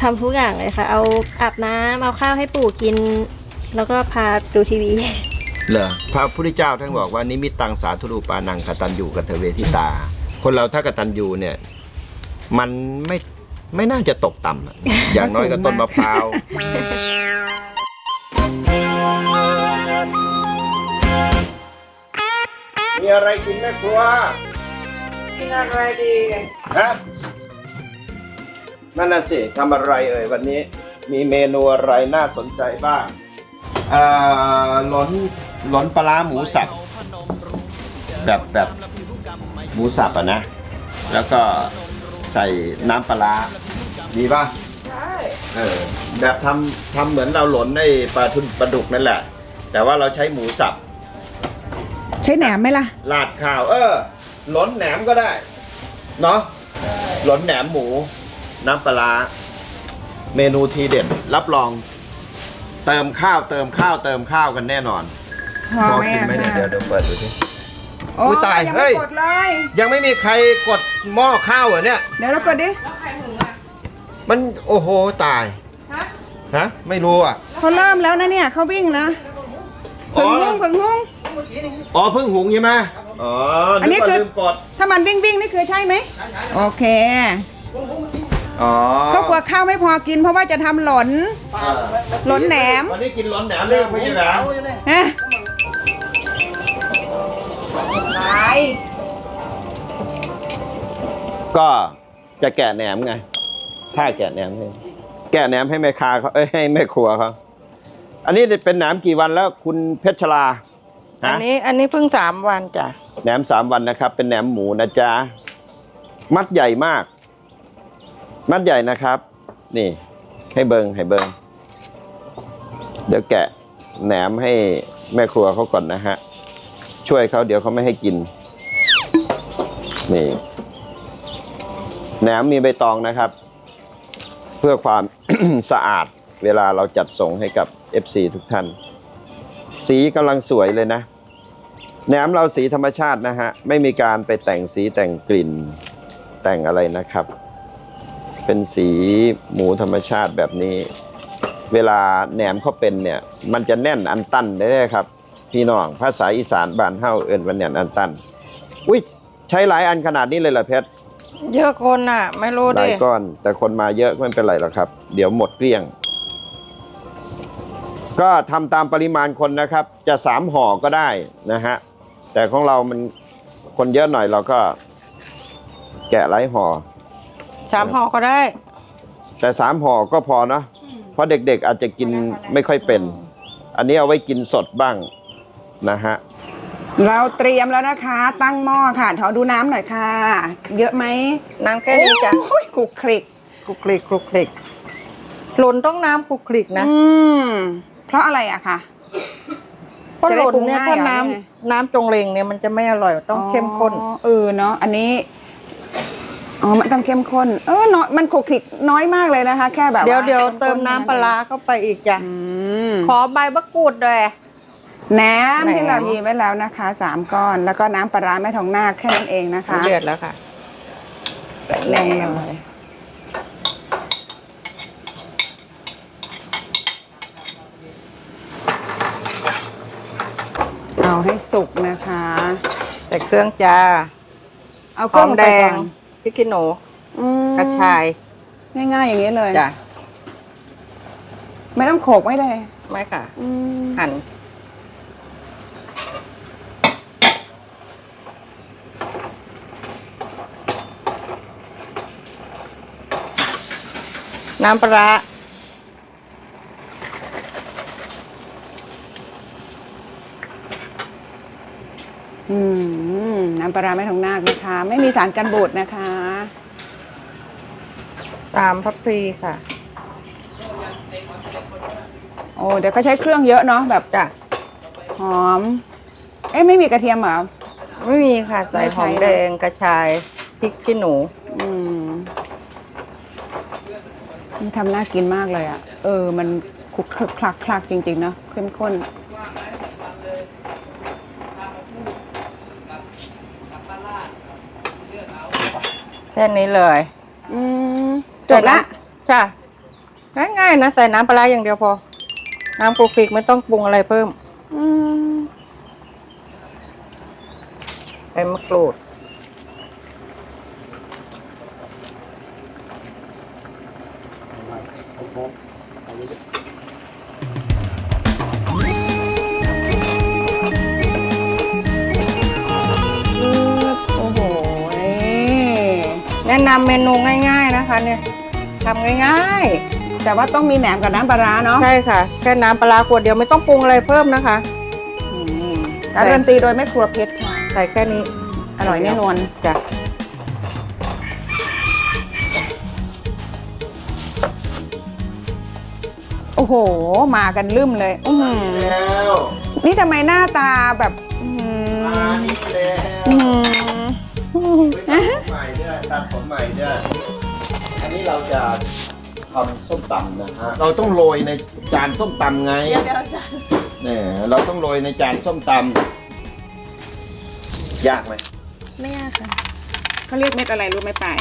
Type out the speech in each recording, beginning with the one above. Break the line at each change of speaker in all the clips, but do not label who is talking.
ทำทุกอย่างเลยค่ะเอาอาบน้ำเอาข้าวให้ปู่กิน แล้วก็พาดูทีวี
เหรอพระพุทธเจ้าท่านบอกว่านิมิตตังสาธุรูปานังกตัญญูกตเวทิตา คนเราถ้ากตัญญูเนี่ยมันไม่น่าจะตกต่ำอย่างน้อยก็ต้นมะพร้าวมีอะไรกินแม่ครัว
กินอะไรดี
ฮะนั่นน่ะสิทำอะไรเอ่ยวันนี้มีเมนูอะไรน่าสนใจบ้างหลนปลาร้าหมูสับแบบหมูสับอะนะแล้วก็ใส่น้ำปลาร้าดีป่ะ
ใช่
แบบทำเหมือนเราหลนในปลาดุกนั่นแหละแต่ว่าเราใช้หมูสับ
ใช้แหนมไหมล่ะ
ราดข้าวหลนแหนมก็ได้เนาะหลนแหนมหมูน้ำปลาร้าเมนูทีเด็ดรับรองเติมข้าวกันแน่นอนพอกินไหมเนี่ยเดี๋ยวเปิดดูสิ
โอ้
ตาย
ยัง
เฮ้ย
ไม่กดเลย
ยังไม่มีใครกดหม้อข้าวเหรอเนี่ย
เดี๋ยวเรากดดิ
มันโอ้โหตายฮะไม่รู้อ่ะ
เขาเริ่มแล้วนะเนี่ยเขาวิ่งนะผึ่งหุ้งผึ่งหุ้ง
อ๋อเพิ่งหุงใช่ไหมอ๋ออันนี้คือ
ถ้ามันวิ่งนี่คือใช่ไหมโอเค
อ๋อ
ก็กลัวข้าวไม่พอกินเพราะว่าจะทำหลนแหนม
วันนี้กินหลนแหนมเลยไม่ใช่แหนมก็จะแกะแหนมไงถ้าแกะแหนมให้แม่ค้าเขาให้แม่ครัวเขาอันนี้เป็นแหนมกี่วันแล้วคุณเพชรชลา
อันนี้เพิ่ง3 วันจ้ะ
แหนม3 วันนะครับเป็นแหนมหมูนะจ๊ะมัดใหญ่มากมัดใหญ่นะครับนี่ให้เบิงเดี๋ยวแกะแหนมให้แม่ครัวเขาก่อนนะฮะช่วยเขาเดี๋ยวเขาไม่ให้กินนี่แหนมมีใบตองนะครับเพื่อความ สะอาดเวลาเราจัดส่งให้กับ FC ทุกท่านสีกำลังสวยเลยนะแหนมเราสีธรรมชาตินะฮะไม่มีการไปแต่งสีแต่งกลิ่นแต่งอะไรนะครับเป็นสีหมูธรรมชาติแบบนี้เวลาแหนมเขาเป็นเนี่ยมันจะแน่นอันตันได้ครับพี่น้องภาษาอีสานบ้านเฮาเอิ้นว่าแน่นอันตันอุ้ยใช้หลายอันขนาดนี้เลยเหรอเพชร
เยอะคนน่ะไม่รู้ดิ
หลายก้อนแต่คนมาเยอะไม่เป็นไรหรอกครับเดี๋ยวหมดเกลี้ยงก็ทำตามปริมาณคนนะครับจะ3 ห่อก็ได้นะฮะแต่ของเรามันคนเยอะหน่อยเราก็แกะหลายห่อ
3 ห่อก็ได้
แต่3 ห่อก็พอนะเพราะเด็กๆอาจจะกินไม่ค่อยเป็นอันนี้เอาไว้กินสดบ้างนะฮะ
เราเตรียมแล้วนะคะตั้งหม้อค่ะขอดูน้ำหน่อยค่ะเยอะไหม
น้ำแค่นี้จ้ะ
คลุกคลิก
หล่นต้องน้ำคลุกคลิกนะ
เพราะอะไรอะคะ
เพราะหล่นเนี่ยถ้าน้ำจงเลงเนี่ยมันจะไม่อร่อยต้องเข้มข้น
เนาะอันนี้มันต้องเข้มข้นน้อยมันคลุกคลิกน้อยมากเลยนะคะแค่แบบ
เดี๋ยวเติมน้ำปลาเข้าไปอีกจ้ะขอใบมะกรูดด้วย
แหนมที่เรายีไว้แล้วนะคะ3 ก้อนแล้วก็น้ำปลาแม่ทองนาคแค่นั้นเองนะคะ
เดือดแล้วค่ะ
แรงเลยเอาให้สุกนะคะ
ใส่เครื่องจ้า
เอาเครื่อง
แดงพริกขี้หนูกระชาย
ง่ายๆอย่างนี้เลย
จ้ะ
ไม่ต้องโขกไม่เลย
ไม่ค่ะหั่นน้ำปลา
น้ำปลาแม่ทองนาคนะคะไม่มีสารกันบูดนะคะ
3 ทัพพีค่ะ
โอ้เดี๋ยวก็ใช้เครื่องเยอะเนาะแบบ
จ้ะ
หอมไม่มีกระเทียมเหรอ
ไม่มีค่ะใส่หอมแดงกระชายพริกขี้หนู
มันทำน่ากินมากเลยอ่ะมันคลุกคลักจริงๆเนาะเข้มข้น
แค่นี้เลย
จบละ
จ้ะง่ายๆนะใส่น้ำปลาร้าอย่างเดียวพอ น้ำโคฟิกไม่ต้องปรุงอะไรเพิ่ม
อืม
ใบมะกรูด
โอ้โห
แนะนำเมนูง่ายๆนะคะ เนี่ยทำง่าย
แต่ว่าต้องมีแหนมกับน้ำปลาร้าเนาะ
ๆ ใช่ค่ะ แค่น้ำปลาร้าขวดเดียวไม่ต้องปรุงอะไรเพิ่มนะคะ
อืมการันตีโดยแม่ครัวเพชรค่ะ
ใส่แค่นี้
อร่อยแน่นอน
จ้ะ
โอ้โห มากันลืมเลยอื้อหือ
แล้ว
นี่ทำไมหน้าตาแบบอื้อหือ
มานี่แล้ว
อื้อหือ
ตัดผมใหม่ด้วยตัดผมใหม่ด้วยอันนี้เราจะทำส้มตำนะฮะเราต้องโรยในจานส้มตำไง
เดี๋ยวอาจารย์
เนี่ยเราต้องโรยในจานส้มตำยากไหม
ไม่ยากค่ะ
เขาเรียกเม็ดอะไรรู้ไหมปาย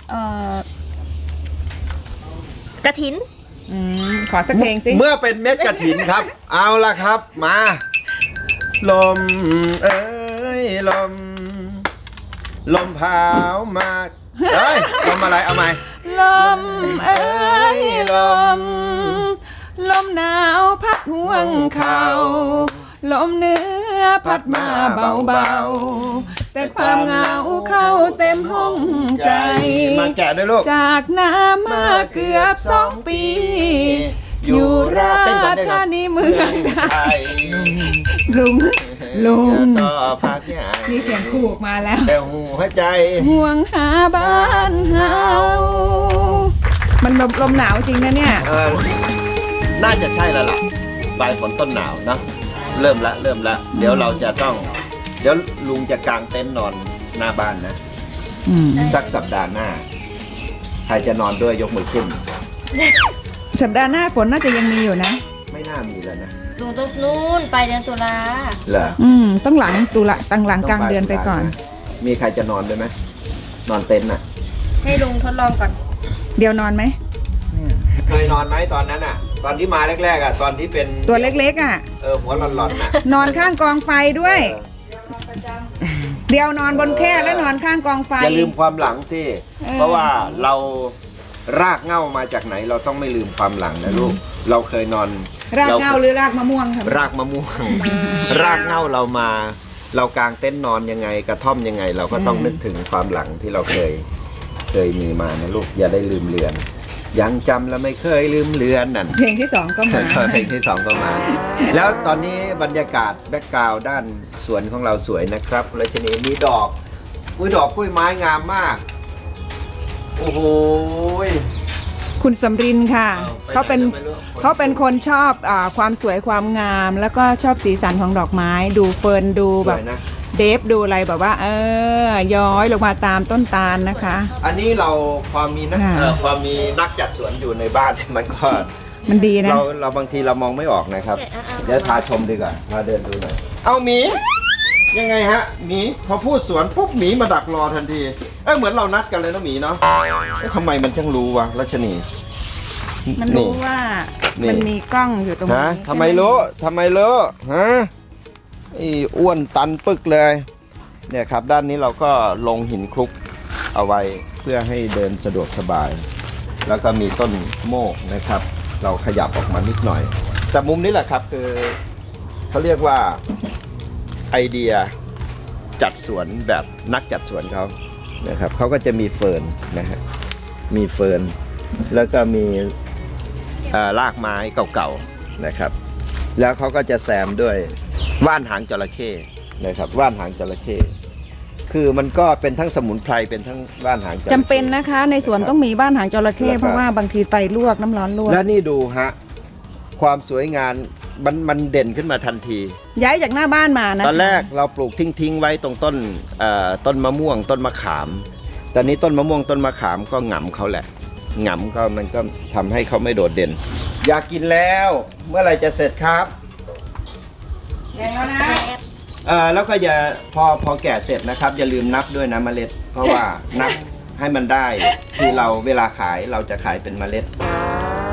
กระถิน
ขอสักเพลงสิ
เมื่อเป็นเม็ดกระถินครับ เอาละครับมา ลมเอ้ยลม ลมพาวมาเอ้ยลมอะไรเอาไหม
ลมเอ้ยลม ลมหนาวพัดห่วงเขาลมเหนื้อพัดมาเบาๆ แต่ความเหงาเข้าเต็มห้องใจ
มาแกะด้วยลูก
จากน้ำมาเกือบ2 ปี อยู่ราชธานีเมืองไทยลุง
ต่อพักใหญ่
มีเสียงขู่มาแล้ว
แต่หัวใจ
ห่วงหาบ้านเฮามันลมหนาวจริงนะเนี่ย
น่าจะใช่แล้วล่ะปลายฝนต้นหนาวเนอะเริ่มละเดี๋ยวเราจะต้อง เดี๋ยวลุงจะกางเต็นท์นอนหน้าบ้านนะ สักสัปดาห์หน้า ใครจะนอนด้วยยกมือขึ้น
สัปดาห์หน้าฝนน่าจะยังมีอยู่นะ
ไม่น่ามีแล้วนะ
ดูตรงนู้นไปเดือนตุลา
เหรอ
ต้องหลังตุลาตั้งหลังกลางเดือนไปก่อน
มีใครจะนอนด้วยไหมนอนเต็นท์น่ะ
ให้ลุงทดลองก่อน
เดี๋ยวนอนไหม
เคยนอนไหมตอนนั้นอ่ะ ตอนที่มาแรกๆอ่ะตอนที่เป็น
ตัวเล็กๆอ่ะ
หัวหลอนๆน่ะ
นอนข้างกองไฟด้วย เดี๋ยวนอนบนแคร่และนอนข้างกองไฟ
อย่าลืมความหลังสิ เพราะว่าเรารากเหง้ามาจากไหนเราต้องไม่ลืมความหลังนะลูก เราเคยนอน
รากเหง้าหรือรากมะม่วงครับ
รากมะม่วง รากเหง้าเรามา เรากางเต็นท์นอนยังไงกระท่อมยังไง เราก็ต้องนึกถึงความหลังที่เราเคยมีมานะลูกอย่าได้ลืมเลือน ยังจำและไม่เคยลืมเลือนนั่น
เพลงที่ 2 ก็มา
เพลงที่สองก็มา แล้วตอนนี้บรรยากาศแบ็กกราวด์ด้านสวนของเราสวยนะครับราชนีมีดอกดอกกล้วยไม้งามมาก โอ้โห
คุณสำรินค่ะ
เอาไปไหน
เขาเป็นคนชอบความสวยความงาม แล้วก็ชอบสีสันของดอกไม้ ดูเฟิร์นดู
ส
แบ
ว
บ
ยนะ
เดฟดูอะไรแบบว่า ย้อยลงมาตามต้นตาลนะคะ
อันนี้เราความมีนัก
ค่ะ
ความมีนักจัดสวนอยู่ในบ้าน มันก็
มันดีนะ
เราบางทีเรามองไม่ออกนะครับ
เอา
เดี๋ยวพาชมดีกว่าพาเดินดูหน่อยเอาหมี ยังไงฮะหมีพอพูดสวนปุ๊บหมีมาดักรอทันทีเหมือนเรานัดกันเลยนะหมีเนาะทำไมมันช่างรู้วะรัชนี
มันรู้ว่า
นี่
มันมีกล้องอยู่ตรงนี้
ฮะทำไมรู้ฮะไอ้อ้วนตันปึกเลย เนี่ยครับด้านนี้เราก็ลงหินคลุกเอาไว้เพื่อให้เดินสะดวกสบาย แล้วก็มีต้นโมกนะครับ เราขยับออกมานิดหน่อย แต่มุมนี้แหละครับคือเขาเรียกว่าไอเดียจัดสวนแบบนักจัดสวนเขานะครับเขาก็จะมีเฟิร์นนะฮะมีเฟิร์นแล้วก็มีรากไม้เก่าๆนะครับ แล้วเขาก็จะแซมด้วยว่านหางจระเข้นะครับว่านหางจระเข้คือมันก็เป็นทั้งสมุนไพรเป็นทั้งว่านหางจระเข้
จำเป็นนะคะ ในสวนต้องมีบ้านหางจระเข้
แล้วก็
เพราะว่าบางทีไฟลวกน้ำร้อนลวก
แล้วนี่ดูฮะความสวยงามมันเด่นขึ้นมาทันที
ย้ายจากหน้าบ้านมานะ
ตอนแรกเราปลูกทิ้งไว้ตรงต้นมะม่วงต้นมะขาม ตอนนี้ต้นมะม่วงต้นมะขามก็หงำเขาแหละหงำก็มันก็ทำให้เขาไม่โดดเด่น อยากกินแล้วเมื่อไหร่จะเสร็จครับ
แล้วนะ
แล้วก็อย่าพอแก่เสร็จนะครับ อย่าลืมนับด้วยนะเมล็ด เพราะว่านับให้มันได้คือเราเวลาขายเราจะขายเป็นเมล็ดข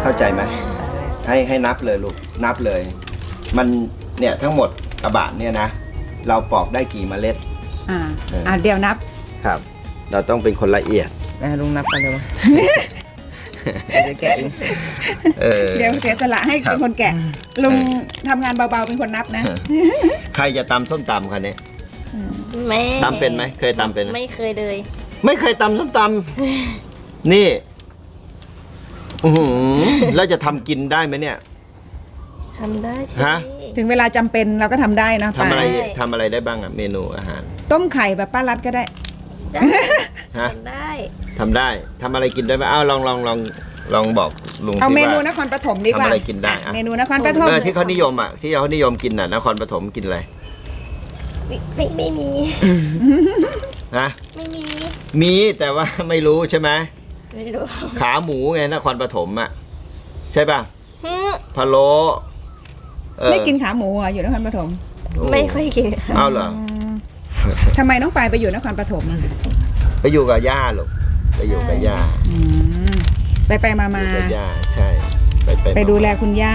เข้าใจไหมให้นับเลยลูกนับเลย มันเนี่ยทั้งหมดกระบะเนี่ยนะเราปอกได้กี่เมล็ด
เดี๋ยวนับ
ครับ เราต้องเป็นคนละเอียด
ลุงนับไปเลยวะ เดี๋ยวแกะเอง
เดี๋ยวเสียสละให้
ครับ
เป็นคนแกะลุงทำงานเบาๆเป็นคนนับนะ
ใครจะตำส้มตำคันนี้
แม่
ตำเป็นไหมเคยตำเป็นไหม
ไม่เคยเลย
ไม่เคยตำส้มตำนี่อื้อหือแล้วจะทำกินได้ไหมเนี่ย
ทำได้ใช่
ฮะ
ถึงเวลาจำเป็นเราก็ทำได้นะ
ทำอะไร
ใช่
ทำอะไรได้บ้างอะเมนูอาหาร
ต้มไข่แบบป้ารัดก็ได้
ได้
ฮะ
ทำได้
ทำได้ทำอะไรกินได้ไหมอ้าวลองบอกลุง
เอา
สิ
เมนู
ว่าน
ครปฐมดีกว่า
ทำอะไรกินได้อะ
เมนูนครปฐม
ที่เขานิยมอ่ะที่เขานิยมกินน่ะนครปฐมกินอะไร
ไม่มี
นะ
ไม่มี
มีแต่ว่าไม่รู้ใช่ไหม
ไม่รู้
ขาหมูไงนครปฐมอ่ะใช่ป่ะ
ฮึ
พะโล้เออ
ไม่กินขาหมูเหรออยู่นครปฐม
ไม่ค่อยกินค่ะ
เอาเหรอ
ทำไมน้องปายไปอยู่นครปฐมอะ
ไปอยู่กับย่าลูกไปอยู่กับย่า
ไปมา
อยู่กับย่าใช่
ไปดูแลคุณย่า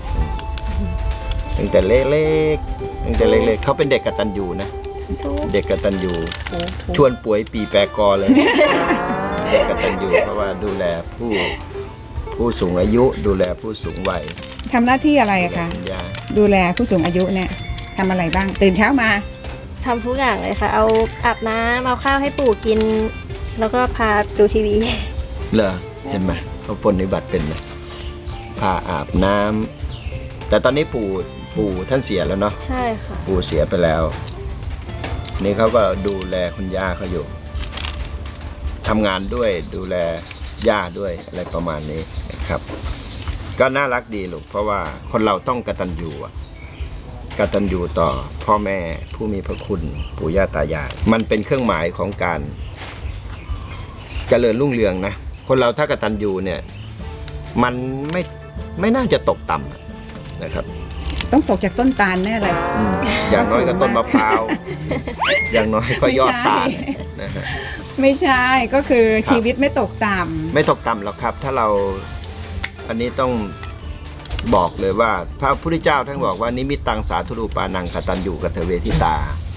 ตั้งแต่เล็กๆตั้งแต่เล็กๆเขาเป็นเด็กกตัญญูนะ
ทุก
เด็กกตัญญูชวนป่วยปีแปรกอเลย เด็กกตัญญูเพราะว่าดูแลผู้สูงอายุดูแลผู้สูงวัย
ทำหน้าที่อะไรอะคะ
คุณย่า
ดูแลผู้สูงอายุเนี่ยทำอะไรบ้าง ตื่นเช้ามา
ทำทุกอย่างเลยค่ะ เอาอาบน้ำเอาข้าวให้ปู่กิน แล้วก็พาดูทีวี
เหรอเห็นไหมเขาปฏิบัติเป็นไหมพาอาบน้ำแต่ตอนนี้ปู่ท่านเสียแล้วเนาะ
ใช่ค่ะ
ปู่เสียไปแล้ว นี่เขาก็ดูแลคุณย่าเขาอยู่ทำงานด้วยดูแลย่าด้วยอะไรประมาณนี้นะครับ ก็น่ารักดีลูกเพราะว่าคนเราต้องกตัญญูอะกตัญญูต่อพ่อแม่ผู้มีพระคุณปู่ย่าตายายมันเป็นเครื่องหมายของการเจริญรุ่งเรืองนะคนเราถ้ากตัญญูเนี่ยมันไม่น่าจะตกต่ำอะนะครับ
ต้องตกจากต้นตาลแน่เลย
อย่างน้อยก็ต้นมะพร้าว อย่างน้อยก็ยอดตาลนะฮะ
ไม่ใช่ก็คือ
ครับ
ชีวิตไม่ตกต่
ไม่ตกต่ำหรอกครับ ถ้าเราอันนี้ต้องบอกเลยว่าพระพุทธเจ้าท่านบอกว่านิมิตตังสาธุรูปานังกตัญญูกตเวทิตา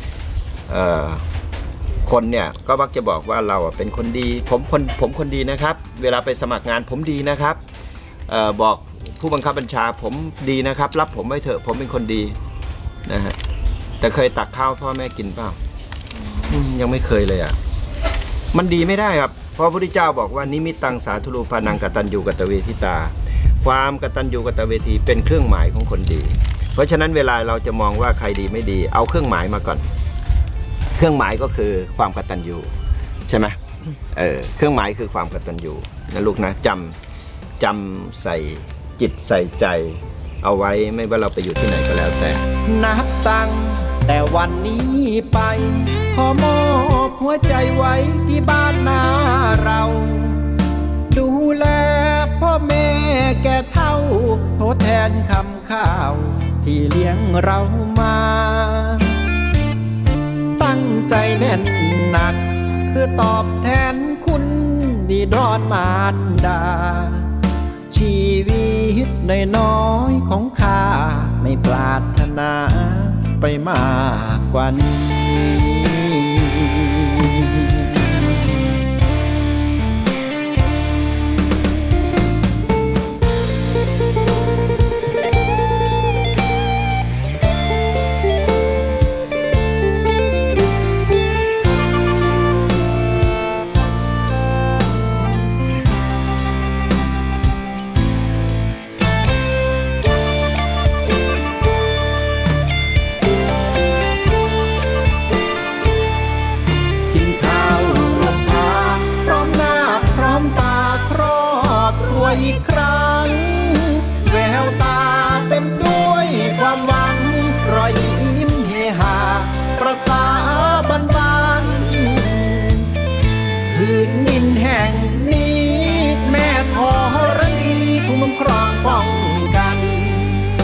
คนเนี่ยก็มักจะบอกว่าเราเป็นคนดีผมคนดีนะครับ เวลาไปสมัครงานผมดีนะครับบอกผู้บังคับบัญชาผมดีนะครับ รับผมไว้เถอะผมเป็นคนดีนะฮะแต่เคยตักข้าวพ่อแม่กินเปล่ายังไม่เคยเลยอ่ะมันดีไม่ได้ครับเพราะพระพุทธเจ้าบอกว่านิมิตตังสาธุรูปานังกตัญญูกตเวทิตาความกตัญญูกตเวทีเป็นเครื่องหมายของคนดีเพราะฉะนั้นเวลาเราจะมองว่าใครดีไม่ดีเอาเครื่องหมายมาก่อนเครื่องหมายก็คือความกตัญญูใช่ไหมเครื่องหมายคือความกตัญญูนะลูกนะจำใส่จิตใส่ใจเอาไว้ไม่ว่าเราไปอยู่ที่ไหนก็แล้วแต่นับตั้งแต่วันนี้ไปขอมอบหัวใจไว้ที่บ้านนาเราดูแลพ่อแม่แก่เฒ่าทดแทนคำข้าวที่เลี้ยงเรามาตั้งใจแน่นหนักคือตอบแทนคุณบิดรมารดาชีวิตน้อยๆของข้าไม่ปรารถนาไปมากกว่านี้อีกครั้งแววตาเต็มด้วยความหวังรอยยิ้มเฮฮาประสา